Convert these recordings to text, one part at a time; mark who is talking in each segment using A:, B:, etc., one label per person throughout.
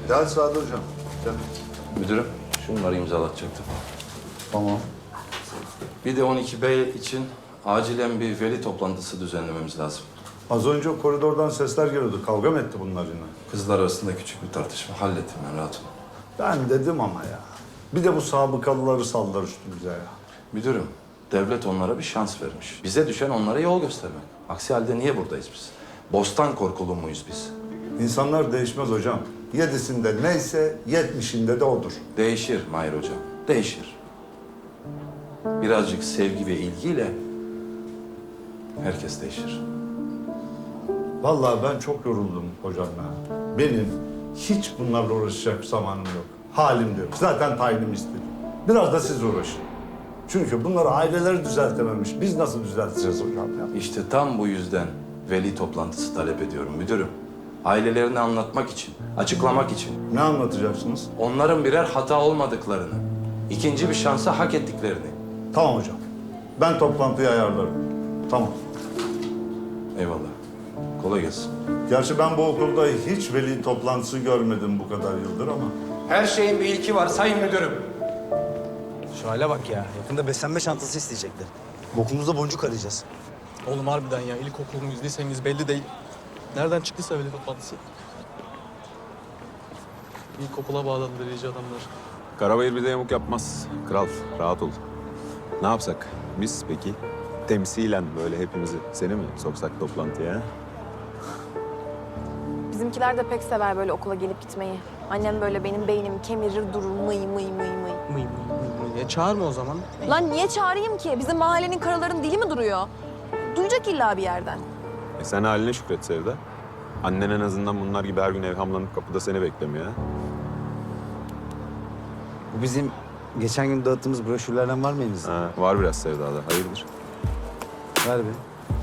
A: Gel Sadi Hocam. Gel.
B: Müdürüm, şunları imzalatacaktım.
A: Tamam.
B: Bir de 12B için acilen bir veli toplantısı düzenlememiz lazım.
A: Az önce koridordan sesler geliyordu. Kavga mı etti bunlar yine?
B: Kızlar arasında küçük bir tartışma. Hallettim ben, rahat olun.
A: Ben dedim ama ya. Bir de bu sabıkalıları sallar üstümüze ya.
B: Müdürüm, devlet onlara bir şans vermiş. Bize düşen onlara yol göstermek. Aksi halde niye buradayız biz? Bostan korkulu muyuz biz?
A: İnsanlar değişmez hocam. 7'sinde neyse 70'inde de odur.
B: Değişir Mahir Hocam, değişir. Birazcık sevgi ve ilgiyle herkes değişir.
A: Vallahi ben çok yoruldum hocam ya. Benim hiç bunlarla uğraşacak zamanım yok. Halim de yok. Zaten tayinim istedim. Biraz da siz uğraşın. Çünkü bunları aileleri düzeltememiş. Biz nasıl düzelteceğiz hocam ya?
B: İşte tam bu yüzden veli toplantısı talep ediyorum müdürüm. Ailelerini anlatmak için, açıklamak için.
A: Ne anlatacaksınız?
B: Onların birer hata olmadıklarını, ikinci bir şansa hak ettiklerini.
A: Tamam hocam. Ben toplantıyı ayarlarım. Tamam.
B: Eyvallah. Kolay gelsin.
A: Gerçi ben bu okulda hiç veli toplantısı görmedim bu kadar yıldır ama.
C: Her şeyin bir ilki var sayın müdürüm.
D: Şu hale bak ya. Yakında beslenme çantası isteyecekler. Okulumuzda boncuk arayacağız.
E: Oğlum harbiden ya ilkokul muyuz lise miyiz belli değil. Nereden çıktıysa veli toplantısı. İlkokula bağladılar iyice adamlar.
F: Karabayır bize yamuk yapmaz. Kral, rahat ol. Ne yapsak? Biz peki temsilen böyle hepimizi seni mi soksak toplantıya?
G: Bizimkiler de pek sever böyle okula gelip gitmeyi. Annem böyle benim beynimi kemirir durur mıy mıy mıy mıy.
E: Mıy mıy mıy mıy. Çağırma o zaman.
G: Lan niye çağırayım ki? Bizim mahallenin karaların dili mi duruyor? Duyacak illa bir yerden.
F: Sen haline şükret Sevda. Annen en azından bunlar gibi her gün evhamlanıp kapıda seni beklemiyor ha.
D: Bu bizim geçen gün dağıttığımız broşürlerden var mı elinizde?
F: Ha, var biraz Sevda'da. Hayırdır?
D: Ver be.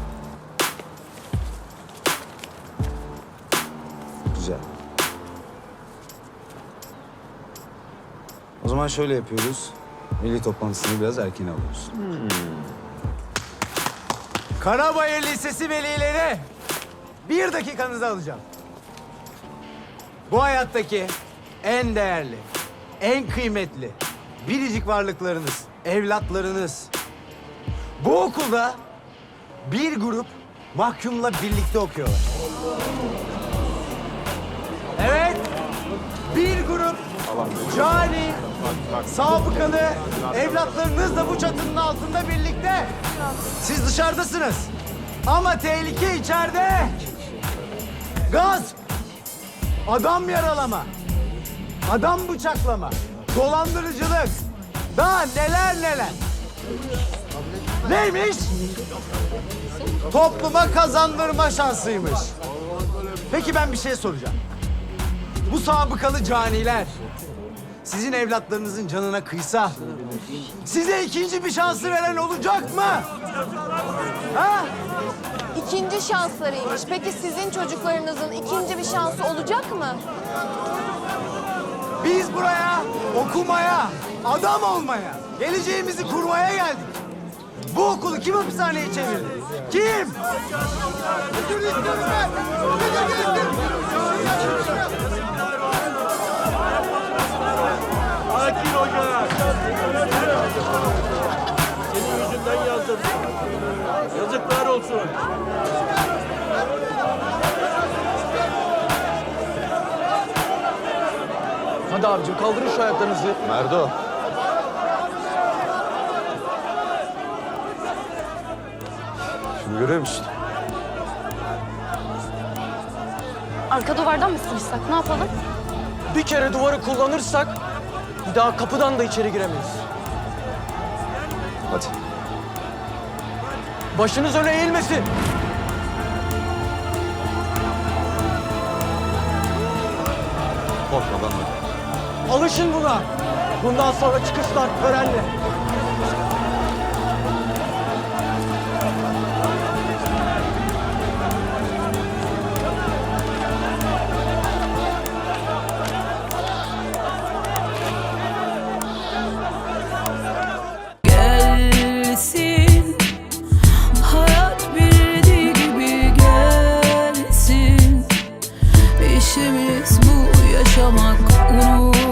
D: Güzel. O zaman şöyle yapıyoruz. Veli toplantısını biraz erken alıyoruz. Karabayır Lisesi velileri, 1 dakikanızı alacağım. Bu hayattaki en değerli, en kıymetli, biricik varlıklarınız, evlatlarınız. Bu okulda bir grup mahkumla birlikte okuyorlar. Evet, bir grup cani, sabıkalı evlatlarınız da bu çatının altında birlikte. Siz dışarıdasınız ama tehlike içeride. Gasp, adam yaralama, adam bıçaklama, dolandırıcılık, daha neler neler. Neymiş? Topluma kazandırma şansıymış. Peki ben bir şey soracağım. Bu sabıkalı caniler sizin evlatlarınızın canına kıysa size ikinci bir şansı veren olacak mı? Ha?
G: İkinci şanslarıymış. Peki sizin çocuklarınızın ikinci bir şansı olacak mı?
D: Biz buraya okumaya, adam olmaya, geleceğimizi kurmaya geldik. Bu okulu kim hapishaneye çevirdi? Kim? Müdür istiyorum ben! Müdür istiyorum!
H: Sakin hoca. Senin yüzünden yazdım. Yazıklar olsun.
E: Hadi abicim kaldırın şu ayaklarınızı.
F: Merdo. Şunu görüyor musun?
G: Arka duvardan mı sıkışsak? Ne yapalım?
E: Bir kere duvarı kullanırsak bir daha kapıdan da içeri giremeyiz.
F: Hadi.
E: Başınız öne eğilmesin.
F: Korkmadan da.
E: Alışın buna. Bundan sonra çıkışlar törenli.
I: Gelsin, hayat bildiği gibi gelsin. İşimiz bu ya. yaşamak unut